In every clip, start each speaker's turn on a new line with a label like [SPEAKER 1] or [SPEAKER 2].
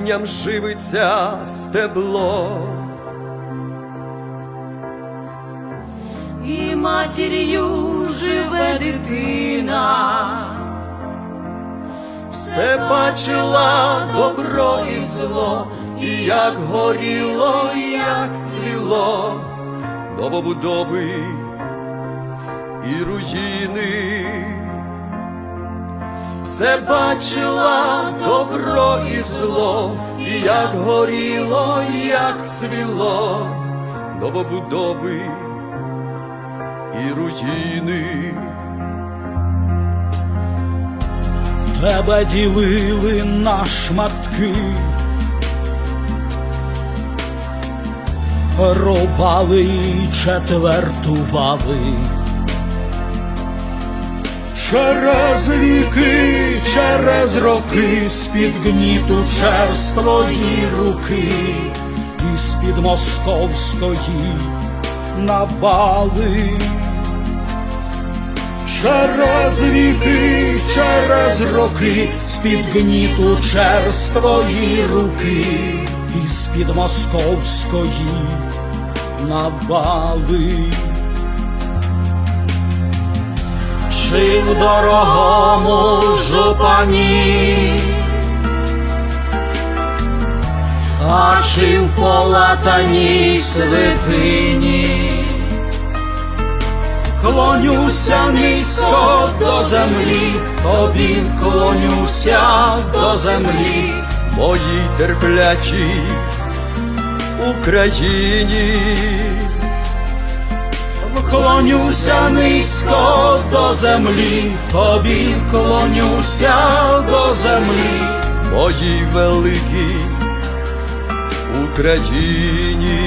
[SPEAKER 1] корінням живиться стебло.
[SPEAKER 2] І матір'ю живе дитина,
[SPEAKER 1] Все бачила добро і зло, і як горіло, і як цвіло, новобудови і руїни. Все бачила добро і зло, і як горіло, і як цвіло, новобудови і руїни.
[SPEAKER 3] Тебе ділили на шматки, рубали і четвертували. Через віки, через роки, з-під гніту черствої руки, і з-під московської навали. Через віки, через роки, з-під гніту черствої руки, і з-під московської навали. Чи в дорогому жупані, а чи в полатаній святині, клонюся низько до землі, тобі клонюся до землі,
[SPEAKER 1] Моїй терплячій Україні.
[SPEAKER 3] клонюся низько до землі, тобі клонюся до землі,
[SPEAKER 1] Моїй великій Україні.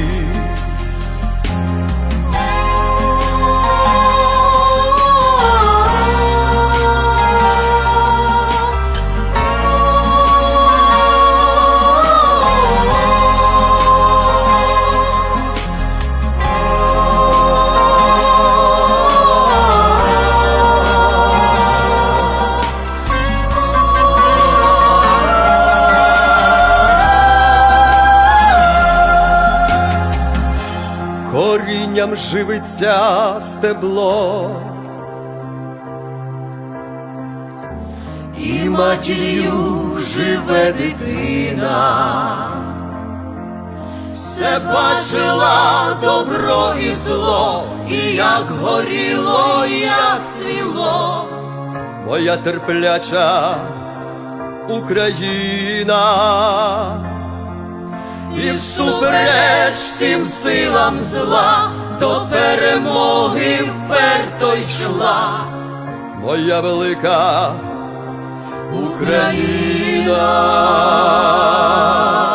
[SPEAKER 1] Корінням живиться стебло,
[SPEAKER 2] і матір'ю живе дитина. Все бачила добро і зло, і як горіло, і як цвіло.
[SPEAKER 1] моя терпляча Україна.
[SPEAKER 2] І всупереч всім силам зла до перемоги вперто йшла
[SPEAKER 1] Моя велика
[SPEAKER 2] Україна.